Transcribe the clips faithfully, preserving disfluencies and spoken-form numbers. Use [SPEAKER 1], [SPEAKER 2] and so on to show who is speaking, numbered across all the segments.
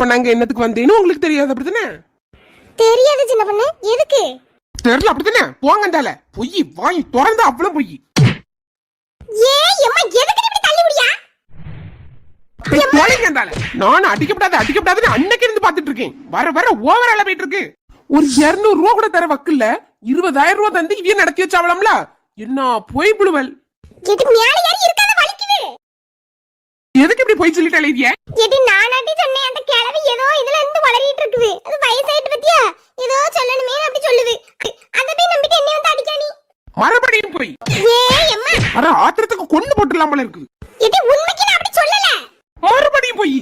[SPEAKER 1] அப்ப நாங்க என்னத்துக்கு வந்தேன்னு உங்களுக்கு தெரியாது அப்படித்தானே?
[SPEAKER 2] தெரியாது சின்ன பொண்ணு. எதுக்கு
[SPEAKER 1] தெரியல அப்படித்தானே? போங்கண்டால பொய் வாய் திறந்தா அவ்வளவு பொய்.
[SPEAKER 2] ஏ எம்மா எதுக்கு இப்படி தள்ளி விடியா?
[SPEAKER 1] போங்கண்டால நான் அடிக்கப்படாத அடிக்கப்படாதுன்னு அன்னைக்கு இருந்து பாத்துட்டு இருக்கேன். வர வர ஓவர் ஆல போயிட்டு இருக்கு. ஒரு இருநூறு ரூபா கூட தர வக்கில்ல இருபதாயிரம் ரூபாய் தந்து இவன் நடத்தி வச்சாவலாம்ல. என்ன பொய் புழுவல்.
[SPEAKER 2] எதுக்கு மேல ஏறி இருக்காத வலிக்குது.
[SPEAKER 1] எதுக்கு இப்படி பொய் சொல்லிட்டாலே இவிய?
[SPEAKER 2] எடி நானாட்டி சொன்னேன் அந்த கிழவி ஏதோ இதுல இருந்து வளரிட்டு இருக்குது. அது வயசாயிட்டு பத்தியா ஏதோ சொல்லணுமே அப்படி சொல்லுது. அத போய் நம்பிட்டு என்ன வந்து அடிக்கானி.
[SPEAKER 1] மறுபடியும் போய்
[SPEAKER 2] ஏ அம்மா
[SPEAKER 1] அட ஆத்திரத்துக்கு கொண்டு போட்டுலாம் போல இருக்கு.
[SPEAKER 2] எடி உண்மைக்கு நான் அப்படி சொல்லல.
[SPEAKER 1] மறுபடியும் போய்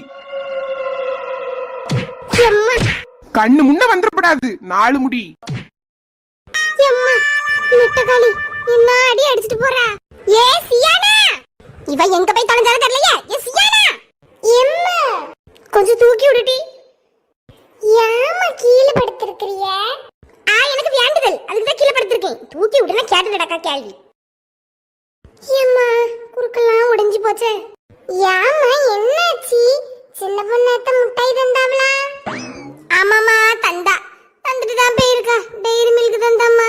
[SPEAKER 2] அம்மா
[SPEAKER 1] கண்ணு முன்ன வந்துடக்கூடாது நாலு முடி.
[SPEAKER 2] அம்மா நெட்டகாளி என்ன அடி அடிச்சிட்டு போறா. ஏ சியானா இவ எங்க போய் தொலைஞ்சாலும் தெரியலையே. ஏ சியானா எம்மா கொஞ்சம் தூக்கி விடுடி. யாமா கீழே படுத்திருக்கிறிய? ஆ எனக்கு வேண்டுதல் அதுக்கு தான் கீழே படுத்திருக்கேன். தூக்கி விடுனா கேட்டு நடக்கா கேள்வி. எம்மா குறுக்கெல்லாம் உடைஞ்சு போச்சே. யாமா என்னாச்சு? சின்ன பொண்ணாத்த முட்டாய் தந்தாவளா? ஆமாமா தந்தா. தந்துட்டு தான் போயிருக்கா. டெய்ரி மில்க் தந்தாம்மா.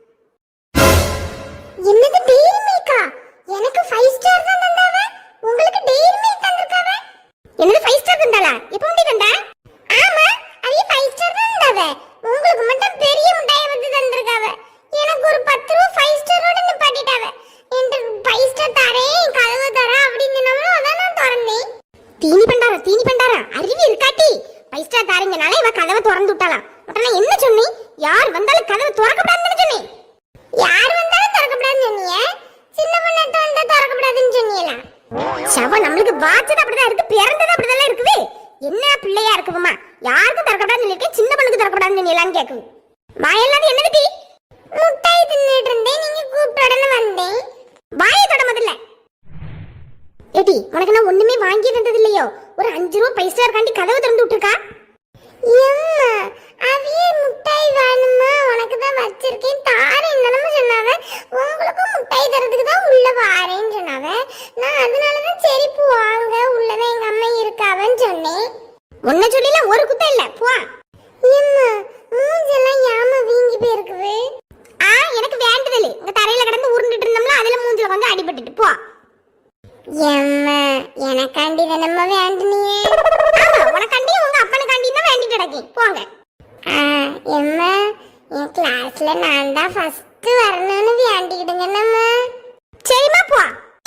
[SPEAKER 2] என்னது டெய்ரி மில்கா? எனக்கு ஃபைவ் ஸ்டார் தான் தந்தாவ. உங்களுக்கு டெய்ரி மில்க் தந்திருக்காவ. என்னது ஃபைவ் ஸ்டார் தந்தாளா? எப்போ முடி தந்தா? ஆமா அவிய ஃபைவ் ஸ்டார் தான் தந்தாவ. உங்களுக்கு மட்டும் பெரிய முட்டாயை வந்து தந்திருக்காவ. எனக்கு ஒரு பத்து ரூபாய் ஃபைவ் ஸ்டாரோட நிப்பாட்டிட்டாவ. என்கிட்ட ஃபைவ் ஸ்டார் தரேன் கதவை தர அப்படின்னு நம்மளும் அதான் நான் திறந்தேன். தீனி பண்டாரா தீனி பண்டாரா அறிவி இருக்காட்டி ஃபைவ் ஸ்டார் தாரீங்கனால இவ கதவை திறந்து விட்டாளாம். உடனே என்ன சொன்னி? யார் வந்தாலும் கதவை திறக்கப்படாதுன்னு சொன்னேன். யார் வந்தாலும் திறக்கப்படாதுன்னு சொன்னீங்க. சின்ன பொண்ணாட்ட வந்தா திறக்கப்படாதுன்னு சொன்னீங்களா? சவ நம்மளுக்கு வாச்சது அப்படிதான் இருக்கு. பிறந்தது அப்படிதான் இருக்குது. என்ன பிள்ளையா இருக்குமா? யாருக்கும் திறக்கப்படாதுன்னு சொல்லிட்டு சின்ன பொண்ணுக்கு திறக்கப்படாதுன்னு சொன்னீங்களான்னு கேக்குது. வாயெல்லாம் என்னது டீ? முட்டாய் தின்னுட்டு இருந்தேன். நீங்க கூப்பிட்ட உடனே வந்தேன். வாயை தொட முதல்ல. ஏடி உனக்கு நான் ஒண்ணுமே வாங்கி தந்தது இல்லையோ? ஒரு அஞ்சு ரூபா பைசா இருக்காண்டி கதவை திறந்து விட்டுருக்கா. எம்மா அவிய முட்டாய் வேணுமா? உனக்கு தான் வச்சிருக்கேன் தாரேன் நம்ம சொன்னாவ. உங்களுக்கும் முட்டாய் தரதுக்கு தான் உள்ள வாரேன்னு சொன்னாவ. நான் அதனாலதான் சரி போவாங்க உள்ளதான் எங்க அம்மா இருக்காவன்னு சொன்னேன். உன்ன சொல்லில ஒரு குத்தம் இல்ல போ. எம்மா மூஞ்செல்லாம் யாம வீங்கி போயிருக்குது. ஆ எனக்கு வேண்டுதல். இந்த தரையில கிடந்து உருண்டுட்டு இருந்தோம்ல அதுல மூஞ்சில வந்து அடிபட்டுட்டு போ. எம்மா எனக்காண்டி தானம்மா வேண்டுனியே? ஆமா உனக்காண்டி உங்க அப்பனுக்காண்டி தான் வேண்டிட்டு கிடக்கேன். போங்க. ஆ எம்மா என் கிளாஸ்ல நான் தான் ஃபர்ஸ்ட் வரணும்னு வேண்டிக்கிடுங்கண்ணம்மா. சரிம்மா போ.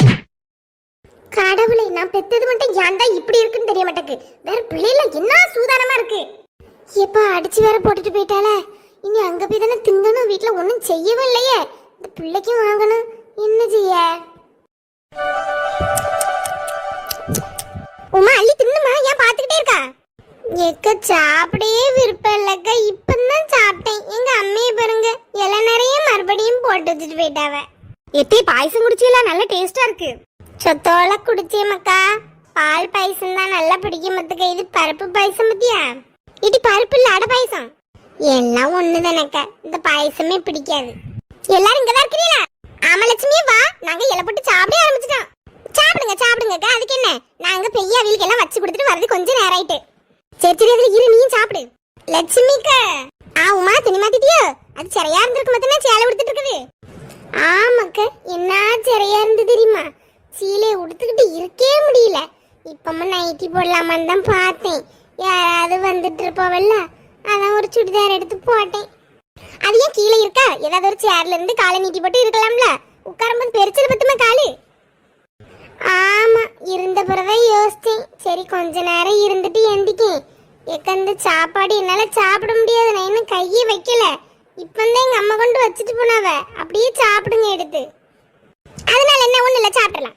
[SPEAKER 2] கடவுளே நான் பெத்தது மட்டும் ஏன்டா இப்படி இருக்குன்னு தெரிய மாட்டேக்கு. வேற பிள்ளைல என்ன சூதானமா இருக்கு. எப்பா அடிச்சு வேற போட்டுட்டு போயிட்டாளே. இனி அங்க போய் தானே திங்கணும். வீட்டுல ஒன்னும் செய்யவும் இல்லையே. இந்த பிள்ளைக்கும் வாங்கணும். என்ன செய்ய? உமா அள்ளி தின்னுமா? ஏன் பாத்துக்கிட்டே இருக்கா? எக்க சாப்பிடவே விருப்பம் இல்லக்கா. இப்பதான் சாப்பிட்டேன். எங்க அம்மையை பாருங்க இலை நிறைய மறுபடியும் போட்டு வச்சுட்டு போயிட்டாவ. எத்தே பாயசம் குடிச்சீங்களா? நல்ல டேஸ்டா இருக்கு. சொத்தோல குடிச்சேமக்கா. பால் பாயசம் தான் நல்லா பிடிக்கும். மத்துக்க இது பருப்பு பாயசம் பத்தியா? இது பருப்பு இல்ல அடை பாயசம். எல்லாம் ஒண்ணுதானக்கா. இந்த பாயசமே பிடிக்காது. எல்லாரும் இங்கதான் இருக்கிறீங்களா? ஆமா லட்சுமி வா. நாங்க இலை போட்டு சாப்பிட ஆரம்பிச்சிட்டோம். சாப்பிடுங்க சாப்பிடுங்க. அதுக்கு என்ன நாங்க பெய்ய வீலுக்கு எல்லாம் வச்சு கொடுத்துட்டு வரது கொஞ்சம் நேரம் ஆயிட்டு. சரி சரி அதுல இரு நீயும் சாப்பிடு. லட்சுமிக்கா ஆ உமா துணி மாத்திட்டியோ? அது சரியா இருந்திருக்கு மத்தனா சேலை உடுத்துட்டு இருக்குது. ஆமாக்கா என்ன சரியா இருந்து தெரியுமா? சீலையை உடுத்துக்கிட்டு இருக்கே முடியல. இப்பமா நைட்டி போடலாமான்னு தான் பார்த்தேன். யாராவது வந்துட்டு இருப்பவல்ல அதான் ஒரு சுடிதார் எடுத்து போட்டேன். அது ஏன் கீழே இருக்கா? ஏதாவது ஒரு சேர்ல இருந்து காலை நீட்டி போட்டு இருக்கலாம்ல. உட்காரும்போது பெருச்சது பத்துமா காலு. ஆமா இருந்த பிறதான் யோசிச்சேன். சரி கொஞ்ச நேரம் இருந்துட்டு எந்திக்கேன். எக்கந்த சாப்பாடு என்னால சாப்பிட முடியாது. நான் இன்னும் கையே வைக்கல. இப்பந்தான் எங்க அம்மா கொண்டு வச்சுட்டு போனாவ. அப்படியே சாப்பிடுங்க எடுத்து. அதனால என்ன ஒண்ணு இல்ல சாப்பிடலாம்.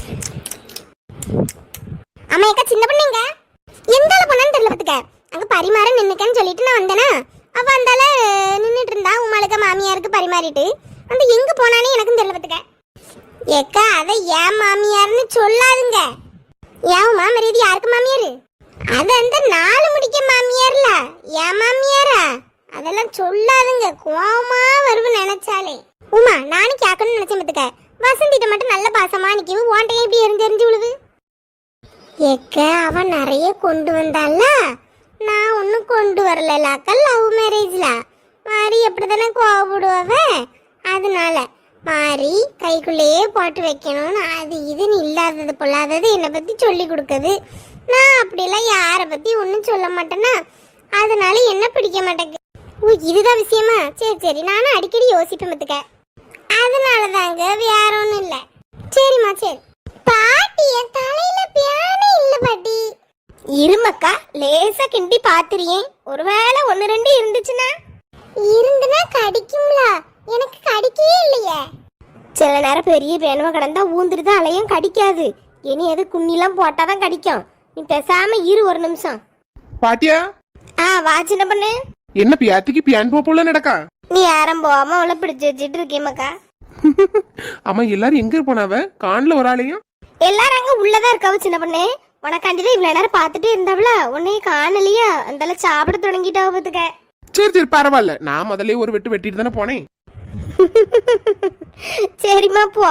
[SPEAKER 2] அம்மா ஏக்கா சின்ன பொண்ணுங்க எந்தால போனான்னு தெரியல பத்துக்க. அங்க பரிமாற நின்னுக்கன்னு சொல்லிட்டு நான் வந்தேனா. அவ அந்தால நின்னுட்டு இருந்தா. உமாளுக்கு மாமியாருக்கு பரிமாறிட்டு அந்த எங்க போனானே எனக்கும் தெரியல பத்துக்க. ஏக்கா அதை ஏன் மாமியார்னு சொல்லாதுங்க. ஏன் மாமரியாதை யாருக்கு மாமியாரு? அது அந்த நாலு முடிக்க மாமியார்ல. ஏன் மாமியாரா? அதெல்லாம் சொல்லாதுங்க. கோவமா வருவு நினைச்சாலே. உமா நானும் கேட்கணும்னு நினைச்சேன் பத்துக்க. வசந்திட்ட மட்டும் நல்ல பாசமா நிக்கவு. ஓண்டையும் இப்படி எரிஞ்சு எரிஞ்சு விழுது. ஏக்க அவன் நிறைய கொண்டு வந்தால நான் ஒன்றும் கொண்டு வரலக்கா, லவ் மேரேஜ்ல மாறி அப்படித்தானே கோவப்படுவாவ. அதனால மாறி கைக்குள்ளேயே போட்டு வைக்கணும்னு அது இதுன்னு இல்லாதது பொல்லாதது என்னை பத்தி சொல்லி கொடுக்குது. நான் அப்படிலாம் யாரை பத்தி ஒன்றும் சொல்ல மாட்டேன்னா, அதனால என்ன பிடிக்க மாட்டேங்குது. ஓ, இதுதான் விஷயமா? சரி சரி, நானும் அடிக்கடி யோசிப்பேன் பத்துக்க. அதனால தாங்க, வேற ஒன்றும் இல்லை. சரிம்மா சரி. பாட்டி என் தலையில பியானே இல்ல பாட்டி. இருமக்கா, லேசா கிண்டி பாத்துறியே, ஒருவேளை ஒன்னு ரெண்டு இருந்துச்சுன்னா. இருந்துனா கடிக்கும்ல, எனக்கு கடிக்கவே இல்லையே. சில நேரம் பெரிய பேனுவ கடந்தா ஊந்துட்டு அலையும், கடிக்காது. இனி எது குண்ணிலாம் போட்டாதான் கடிக்கும். நீ பேசாம இரு ஒரு நிமிஷம்.
[SPEAKER 1] பாட்டியா?
[SPEAKER 2] ஆ வா சின்ன பொண்ணு.
[SPEAKER 1] என்ன பியாத்திக்கு பியான் போல நடக்கா?
[SPEAKER 2] நீ யாரும் போகாம அவளை பிடிச்சு வச்சுட்டு இருக்கேமாக்கா.
[SPEAKER 1] ஆமா, எல்லாரும் எங்க போனாவ? காணல ஒரு ஆளையும்.
[SPEAKER 2] எல்லாரும் அங்க உள்ளதா இருக்காவ சின்ன பொண்ணு. உனக்காண்டிதான் இவ்வளவு நேரம் பாத்துட்டே இருந்தாவளா, உன்னைய காணலையா, அந்த சாப்பிட தொடங்கிட்டாவ பாத்துக்க.
[SPEAKER 1] சரி சரி பரவாயில்ல, நான் முதல்ல ஒரு வெட்டு வெட்டிட்டு தானே போனேன்.
[SPEAKER 2] சரிம்மா போ.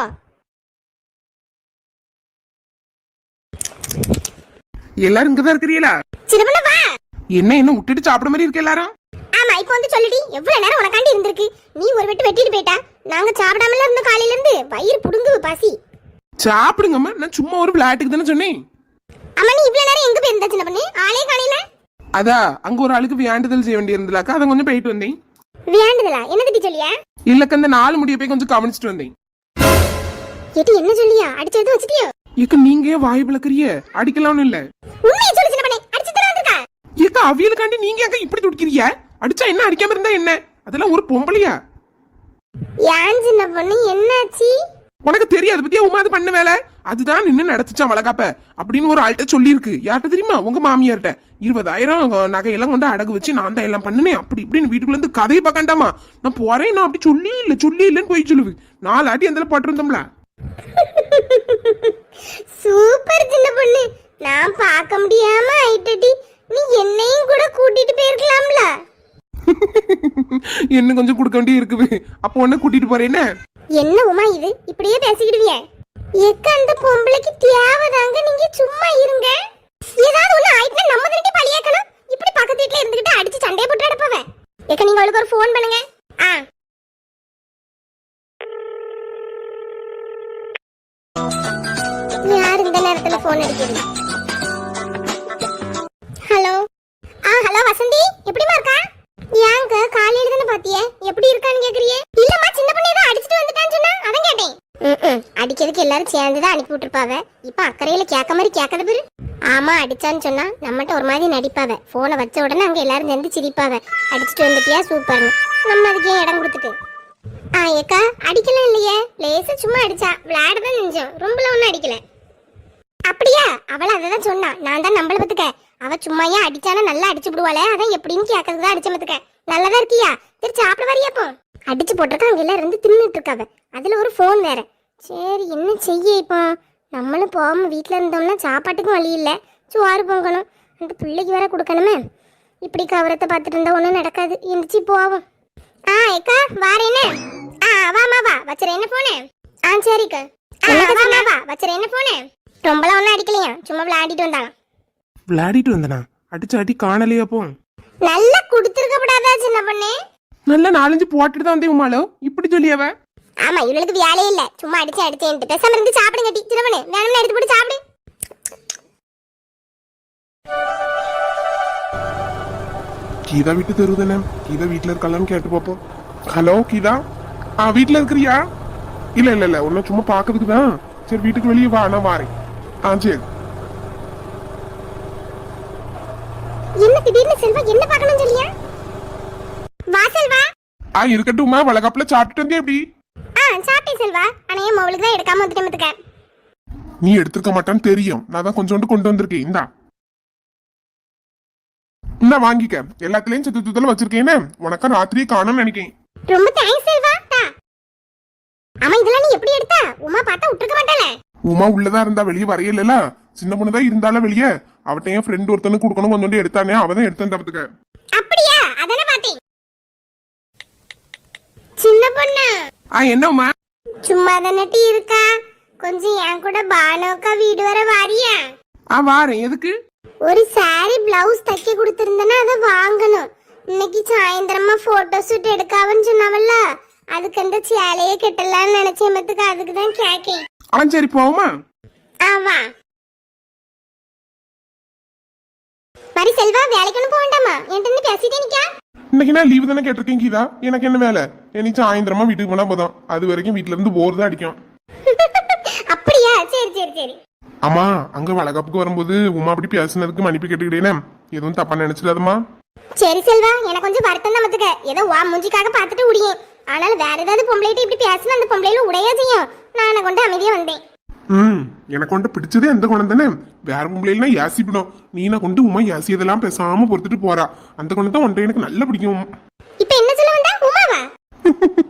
[SPEAKER 1] எல்லாரும் இங்கதான் இருக்கிறீங்களா?
[SPEAKER 2] சின்ன பொண்ணு வா.
[SPEAKER 1] என்ன என்ன விட்டுட்டு சாப்பிட மாதிரி இருக்கு எல்லாரும்?
[SPEAKER 2] ஆமா, இப்போ வந்து சொல்லுடி, எவ்வளவு நேரம் உனக்காண்டி இருந்திருக்கு. நீ ஒரு வெட்டு வெட்டிட்டு போயிட்டா, நாங்க சாப்பிடாமல இருந்த காலையில இருந்து வயிறு புடுங்கு பசி.
[SPEAKER 1] சாப்பிடுங்கம்மா, நான் சும்மா ஒரு விளையாட்டுக்கு தானே சொன்னேன்.
[SPEAKER 2] அம்மா நீ இவ்வளவு நேரம் எங்க போயிருந்தா சின்ன பொண்ணு? ஆளே காணையில.
[SPEAKER 1] அதா அங்க ஒரு ஆளுக்கு வேண்டுதல் செய்ய வேண்டி இருந்தலாக்கா, அதை கொஞ்சம் போயிட்டு வந்தேன்.
[SPEAKER 2] வேண்டுதலா? என்ன திட்டி சொல்லியா?
[SPEAKER 1] இல்லக்க, இந்த நாலு முடிய போய் கொஞ்சம் கவனிச்சுட்டு வந்தேன்.
[SPEAKER 2] கேட்டி என்ன சொல்லியா? அடிச்சு எடுத்து வச்சிட்டியோ?
[SPEAKER 1] ஏக்க நீங்க ஏன் வாய் விளக்குறிய? அடிக்கலாம்னு இல்ல.
[SPEAKER 2] உண்மையை சொல்லு சின்ன பொண்ணு, அடிச்சு தர வந்திருக்கா?
[SPEAKER 1] ஏக்க அவியலுக்காண்டி நீங்க ஏக்க இப்படி துடிக்கிறீங்க? அடிச்சா என்ன, அடிக்காம இருந்தா என்ன? அதெல்லாம் ஒரு பொம்பளையா?
[SPEAKER 2] ஏன் சின்ன பொண்ணு என்னாச்சு?
[SPEAKER 1] உனக்கு தெரியாது பத்தியா உமா அது பண்ண வேலை? அதுதான் நின்னு நடத்துச்சான் வளகாப்ப அப்படின்னு ஒரு ஆள்கிட்ட சொல்லி இருக்கு. யார்கிட்ட தெரியுமா? உங்க மாமியார்ட்ட. இருபதாயிரம் நகையெல்லாம் கொண்டு அடகு வச்சு நான் தான் எல்லாம் பண்ணினேன் அப்படி இப்படின்னு வீட்டுக்குள்ள இருந்து கதையை பார்க்கண்டாமா. நான் போறேன், நான் அப்படி சொல்லி இல்ல சொல்லி இல்லன்னு போய் சொல்லுது. நாலு ஆட்டி அந்த போட்டிருந்தோம்ல.
[SPEAKER 2] சூப்பர் சின்ன பொண்ணு, நான் பார்க்க முடியாம ஆயிட்டடி. நீ என்னையும் கூட கூட்டிட்டு போயிருக்கலாம்ல.
[SPEAKER 1] என்ன கொஞ்சம் கொடுக்க வேண்டிய இருக்குது, அப்போ உன்ன கூட்டிட்டு போறேன்னு.
[SPEAKER 2] என்ன உமா இது, இப்படியே பேசிக்கிடுவிய? எக்க அந்த பொம்பளைக்கு தேவைதாங்க, நீங்க சும்மா இருங்க. ஏதாவது ஒண்ணு ஆயிட்டுனா நம்ம திருட்டி பழியாக்கணும். இப்படி பக்கத்து வீட்டுல இருந்துகிட்டு அடிச்சு சண்டையை போட்டு அடப்பவ. எக்க நீங்க அவளுக்கு ஒரு ஃபோன் பண்ணுங்க. ஆ யார் இந்த நேரத்துல ஃபோன் அடிக்குது? ஹலோ. ஆ ஹலோ வசந்தி, எப்படிமா இருக்கா? ஏங்க காலையில தானே பாத்தியே, எப்படி இருக்கான்னு கேக்குறியே? இல்லம்மா, சின்ன பொண்ணு ஏதோ அடிச்சிட்டு வந்துட்டான்னு சொன்னா, அதான் கேட்டேன். ம் அடிக்கிறதுக்கு எல்லாரும் சேர்ந்து தான் அனுப்பி விட்டுருப்பாவ. இப்ப அக்கறையில கேட்க மாதிரி கேட்கறது பேரு. ஆமா, அடிச்சான்னு சொன்னா நம்மகிட்ட ஒரு மாதிரி நடிப்பாவ. போனை வச்ச உடனே அங்க எல்லாரும் சேர்ந்து சிரிப்பாவ. அடிச்சுட்டு வந்துட்டியா, சூப்பர்னு. நம்ம அதுக்கே இடம் கொடுத்துட்டு. ஆ ஏக்கா, அடிக்கலாம் இல்லையே, லேசா சும்மா அடிச்சா, விளையாடதான் நினைச்சோம், ரொம்பலாம் ஒன்னும் அடிக்கல. அப்படியா? அவள அததான் சொன்னா, நான் தான் நம்பள பத்துக்க. அவ சும்மாயா அடிச்சானா நல்லா அடிச்சு விடுவாளே, அதான் எப்படின்னு கேட்கறதுதான் அடிச்ச பத்துக்க. நல்லதா இருக்கியா? சரி சாப்பிட வரியாப்போ? அடிச்சு போட்டிருக்கா, அங்க எல்லாம் இருந்து தின்னுட்டு இருக்காவ. அதுல ஒரு போன் வேற. சரி என்ன செய்ய இப்போ? நம்மளும் போகாம வீட்டுல இருந்தோம்னா சாப்பாட்டுக்கும் வழி இல்ல, சோறு பொங்கணும், அந்த பிள்ளைக்கு வேற கொடுக்கணுமே. இப்படி கவரத்தை பார்த்துட்டு இருந்தா ஒன்றும் நடக்காது. எந்திரிச்சு போவோம். ஆ ஏக்கா வாரேன்னு. ஆ வாமா வா, வச்சுற என்ன போனே? ஆ சரிக்கா. வாமா வா, வச்சுற என்ன போனே? ரொம்பலாம் ஒன்றும் அடிக்கலையா, சும்மா விளையாடிட்டு வந்தாங்க.
[SPEAKER 1] விளையாடிட்டு வந்தனா? அடிச்ச அடி காணலையா? போ
[SPEAKER 2] நல்லா குடுத்துருக்கப்படாதா சின்ன பொண்ணு?
[SPEAKER 1] நல்லா நாலஞ்சு போட்டுட்டு தான் வந்தேன் உமாலோ, இப்படி சொல்லியாவ?
[SPEAKER 2] ஆமா, இவளுக்கு வேலையே இல்ல, சும்மா அடிச்சு அடிச்சேன்ட்டு. பேசாம இருந்து சாப்பிடுங்க டி சின்ன பொண்ணு, வேணும்னு எடுத்து போட்டு சாப்பிடு.
[SPEAKER 1] கீதா வீட்டு தெரு தானே? கீதா வீட்டுல இருக்கலாம்னு கேட்டு பாப்போம். ஹலோ கீதா, ஆ வீட்டுல இருக்கிறியா? இல்ல இல்ல இல்ல, ஒன்னும் சும்மா பாக்கிறதுக்கு தான். சரி வீட்டுக்கு வெளியே வா, நான் வாரேன். ஆ சரி.
[SPEAKER 2] என்ன திடீர்னு செல்வா என்ன பார்க்கணும் சொல்லியா? வா செல்வா.
[SPEAKER 1] ஆ இருக்கட்டும்மா, வளகாப்புல சாப்பிட்டு வந்தே எப்படி?
[SPEAKER 2] ஆ சாப்பிட்டேன் செல்வா, ஆனா என் மவளுக்கு தான் எடுக்காம வந்துட்டேன் பாத்துக்க.
[SPEAKER 1] நீ எடுத்துக்க மாட்டான்னு தெரியும், நான் தான் கொஞ்சோண்டு கொண்டு வந்திருக்கேன். இந்தா இந்தா வாங்கிக்க. எல்லாத்துலயும் சத்து சுத்தல வச்சிருக்கேன்னு உனக்கா ராத்திரியே காணும்னு நினைக்கேன்.
[SPEAKER 2] ரொம்ப தேங்க்ஸ் செல்வா. தா. ஆமா இதெல்லாம் நீ எப்படி எடுத்தா? உமா பார்த்தா விட்டுருக்க மாட்டாள.
[SPEAKER 1] உமா உள்ளதா இருந்தா வெளியே வரையல, சின்ன பொண்ணுதான் இருந்தாலும் வெளியே. அவட்ட என் ஃப்ரெண்ட் ஒருத்தனுக்கு கொடுக்கணும் கொஞ்சோண்டு எடுத்தானே, அவதான் எடுத்து தரத்துக்க.
[SPEAKER 2] அப்படியா? அதானே பார்த்தேன். சின்ன பொண்ணு.
[SPEAKER 1] ஆ என்ன உமா?
[SPEAKER 2] சும்மா தானே இருக்கா, கொஞ்சம் என் கூட பானோக்கா வீடு வர வாரியா?
[SPEAKER 1] ஆ வாரேன். எதுக்கு?
[SPEAKER 2] ஒரு சாரி பிளவுஸ் தைக்க கொடுத்திருந்தேன்னா அதை வாங்கணும். இன்னைக்கு சாயந்தரமா போட்டோ ஷூட் எடுக்காவன்னு சொன்னாவல்ல, அதுக்கு அந்த சேலையே கட்டலாம்னு நினைச்சேன். மத்துக்கு அதுக்கு தான் கேக்கேன்.
[SPEAKER 1] ஆ சரி போவோமா?
[SPEAKER 2] ஆவா மரி செல்வா, வேலைக்கு ஒன்றும் போக வேண்டாமா? என்கிட்ட பேசிட்டே நிக்கா.
[SPEAKER 1] இன்னைக்கு நான் லீவு தானே கேட்டிருக்கேன் கீதா. எனக்கு என்ன வேலை? எனக்கு சாயந்தரமா வீட்டுக்கு போனா போதும். அது வரைக்கும் வீட்டுல இருந்து போர் தான் அடிக்கும்.
[SPEAKER 2] அப்படியா? சரி சரி சரி.
[SPEAKER 1] அம்மா அங்க வளகாப்புக்கு வரும்போது உமா அப்படி பேசுனதுக்கு மன்னிப்பு கேட்டுக்கிட்டேனே, எதுவும் தப்பா நினைச்சிடாதம்மா.
[SPEAKER 2] சரி செல்வா, எனக்கு கொஞ்சம் வருத்தம் தான் மத்துக்க. ஏதோ வா மூஞ்சிக்காக பார்த்துட்டு உடியேன். ஆனால் வேற ஏதாவது பொம்பளைட்டு இப்படி பேசினா அந்த பொம்பளையில உடையா செய்யும். நான் கொண்டு அமைதியா வந்தேன்.
[SPEAKER 1] ம் எனக்கு கொண்டு பிடிச்சதே எந்த குணம் தானே. வேற பொம்பளைலாம் யாசிப்பிடும். நீனை கொண்டு உமா யாசியதெல்லாம் பேசாம பொறுத்துட்டு போறா. அந்த குணம் தான் ஒன்றை எனக்கு நல்லா பிடிக்கும்.
[SPEAKER 2] இப்ப என்ன சொல்ல வந்தா? உமாவா?